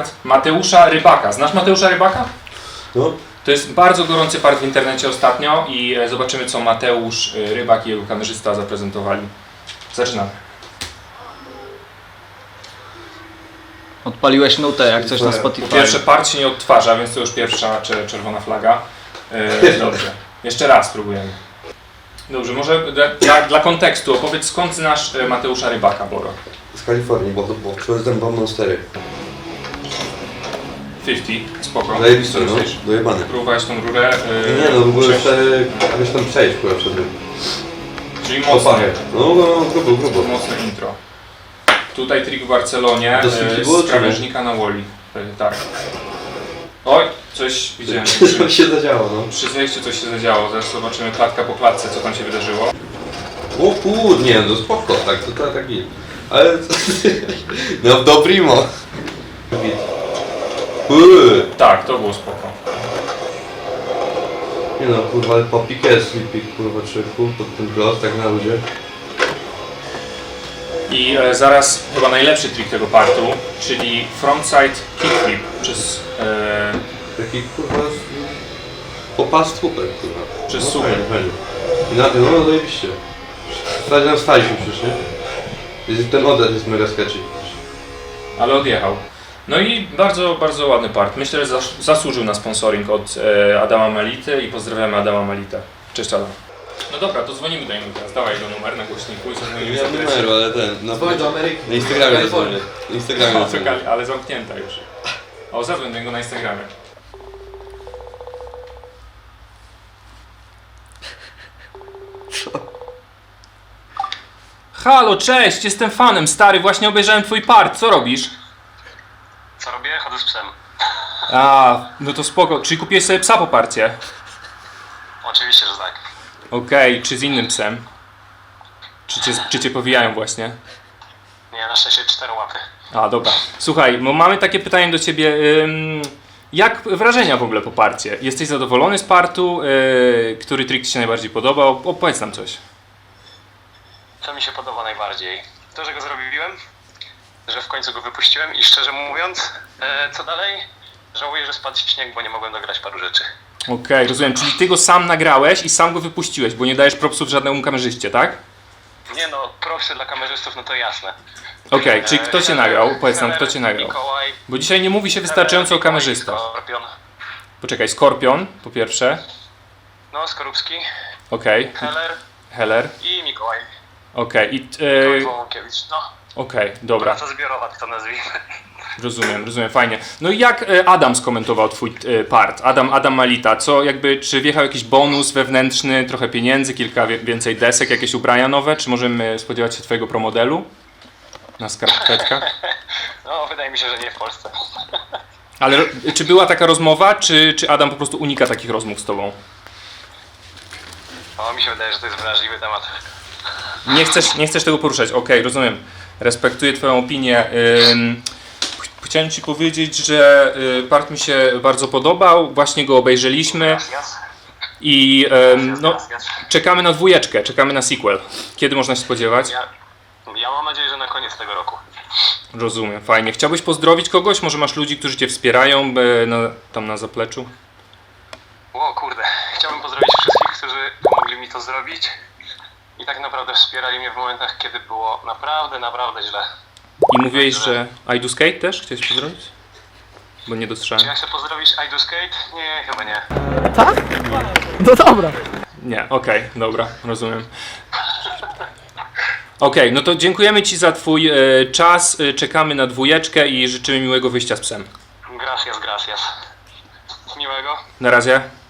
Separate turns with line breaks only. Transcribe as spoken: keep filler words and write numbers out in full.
part Mateusza Rybaka. Znasz Mateusza Rybaka?
No.
To jest bardzo gorący part w internecie ostatnio i zobaczymy, co Mateusz Rybak i jego kamerzysta zaprezentowali. Zaczynamy.
Odpaliłeś nutę jak coś na Spotify.
Po pierwsze, part się nie odtwarza, więc to już pierwsza czerwona flaga. Yy, dobrze. Jeszcze raz spróbujemy. Dobrze, może dla, dla kontekstu opowiedz, skąd znasz Mateusza Rybaka, Boro?
Z Kalifornii, bo, bo przyjeżdżam wam Monstery.
pięćdziesiąt, spoko.
Zajebiste, no,
myślisz?
dojebane.
Próbowałeś tą rurę? Yy,
Nie no, w ogóle
przejść.
jeszcze jakoś tam przejść kurwa przed tym.
Czyli mocno.
No, no, no, grubo, grubo.
Mocne intro. Tutaj trik w Barcelonie
To
yy,
było,
z krawężnika na woli. Yy, tak. Oj, coś widziałem.
Co się zadziało, no.
Przy zejściu coś się zadziało. Zaraz zobaczymy klatka po klatce, co tam się wydarzyło.
O kur, nie no spoko, tak, to tak, tak git. Ale... no do primo. Uuu.
Tak, to było spoko.
Nie no, kurwa, ale popik jest, slipik, kurwa, trzyku, pod ten głos, tak na ludzie.
I e, zaraz chyba najlepszy trik tego partu, czyli frontside kickflip przez, e,
Taki, kurwa, popas słupek, kurwa.
przez
No,
słupek.
fajnie, fajnie. I na tym, no zajebiście. Stać nam staliśmy przecież, nie? Jest- Ten odlet jest mega sketchy.
Ale odjechał. No i bardzo, bardzo ładny part. Myślę, że zas- zasłużył na sponsoring od e, Adama Mality i pozdrawiamy Adama Malitę. Cześć Adam. No dobra, to dzwonimy do niego teraz. Dawaj go numer na głośniku i zadzwonimy
Nie
z
mam
adresem.
numeru, ale ten, na,
Dzwoń do Ameryki.
na Instagramie
Kalifornii.
zadzwonię. Na Instagramie
O,
zadzwonię.
czekali, ale zamknięta już. O, zadzwoń do niego na Instagramie. Halo, cześć, jestem fanem, stary, właśnie obejrzałem twój part, co robisz?
Co robię? Chodzę z psem.
A, no to spoko, czyli kupiłeś sobie psa po parcie?
Oczywiście, że tak.
Okej, czy z innym psem? Czy cię, czy cię powijają właśnie?
Nie, na szczęście cztery łapy.
A, dobra. Słuchaj, bo mamy takie pytanie do ciebie. Ym, jak wrażenia w ogóle po parcie? Jesteś zadowolony z partu? Yy, który trik ci się najbardziej podobał? Opowiedz nam coś.
Co mi się podoba najbardziej? To, że go zrobiłem, że w końcu go wypuściłem i szczerze mówiąc, e, co dalej? Żałuję, że spadł śnieg, bo nie mogłem dograć paru rzeczy.
Okej, rozumiem. Czyli ty go sam nagrałeś i sam go wypuściłeś, bo nie dajesz propsów żadnemu kamerzyście, tak?
Nie no, propsy dla kamerzystów, no to jasne.
Okej, czyli
E,
kto cię
Heller-
nagrał? Powiedz nam, kto
Heller,
cię nagrał.
Mikołaj,
Bo dzisiaj nie mówi się wystarczająco o
Mikołaj,
kamerzystach.
Skorpion.
Poczekaj, Skorpion po pierwsze.
No, Skorupski,
Okej,
Heller
Heller.
i Mikołaj.
Okej, i...
Mikołaj
Yy,
Wołąkiewicz, no.
Okej, dobra.
Praca zbiorowa, to nazwijmy.
Rozumiem, rozumiem, fajnie. No i jak e, Adam skomentował twój e, part? Adam, Adam Malita, co jakby, czy wjechał jakiś bonus wewnętrzny, trochę pieniędzy, kilka wie, więcej desek, jakieś ubrania nowe? Czy możemy spodziewać się twojego promodelu na skarpetkach?
No, wydaje mi się, że nie w Polsce.
Ale e, czy była taka rozmowa, czy, czy Adam po prostu unika takich rozmów z tobą?
O, mi się wydaje, że to jest wrażliwy temat.
Nie chcesz, nie chcesz tego poruszać, okej, rozumiem. Respektuję twoją opinię. Ym, ch- chciałem ci powiedzieć, że y, part mi się bardzo podobał, właśnie go obejrzeliśmy
Jas, jas.
i ym, no,
Jas, jas.
czekamy na dwójeczkę, czekamy na sequel. Kiedy można się spodziewać?
Ja, ja mam nadzieję, że na koniec tego roku.
Rozumiem, fajnie. Chciałbyś pozdrowić kogoś? Może masz ludzi, którzy cię wspierają e, na, tam na zapleczu?
O kurde, chciałbym pozdrowić wszystkich, którzy pomogli mi to zrobić i tak naprawdę wspierali mnie w momentach, kiedy było naprawdę, naprawdę źle.
I mówiłeś, że I Do Skate też chciałeś pozdrowić? Bo nie
Czy
dostrzegłem.
ja chcę pozdrowić I Do Skate? Nie, chyba nie.
No dobra.
Nie, okej, dobra, rozumiem. Okej, no to dziękujemy ci za twój e, czas, e, czekamy na dwójeczkę i życzymy miłego wyjścia z psem.
Gracias, gracias. Miłego.
Na razie.